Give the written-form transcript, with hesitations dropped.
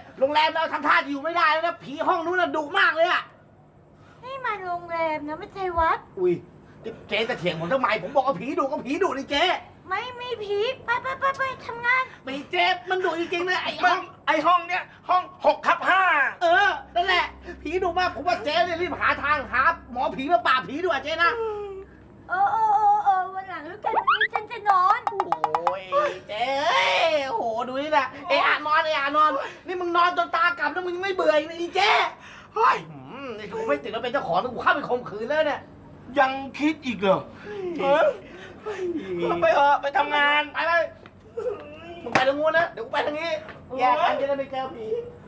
โรงแรมเราทำท่าจะอยู่ไม่ได้แล้วนะผีห้องนู้นน่ะดุมากเลยอะนี่มันโรงแรมนะไม่ใช่วัดอุ้ยเจ๊จะเถียงผมทำไมผมบอกว่าผีดุก็ผีดุนี่เจ๊ไม่มีผีไปทำงานไม่เจ๊มันดุจริงๆเลยไอ้ห้องไอห้องเนี้ยห้อง6/5 นั่นแหละผีดุมากผมว่าเจ๊เนี่ยรีบหาทางหาหมอผีมาปราบผีด้วยเจ๊นะวันหลังแล้วกันวันนี้ฉันจะนอนโอ้ยเจ๊โอ้โหดูนี่นะนอนนี่มึงนอนจนตากลับแล้วมึงยังไม่เบื่ออีกนะอีเจ๊เฮ้ยนี่กูไม่ติดแล้วเป็นเจ้าของกูเข้าไปข่มขืนแล้วเนี่ยยังคิดอีกเหรอไปเถอะไปทำงานไปมึงไปทางนู้นนะเดี๋ยวกูไปทางนี้แยกกันจะได้ไม่เจอผี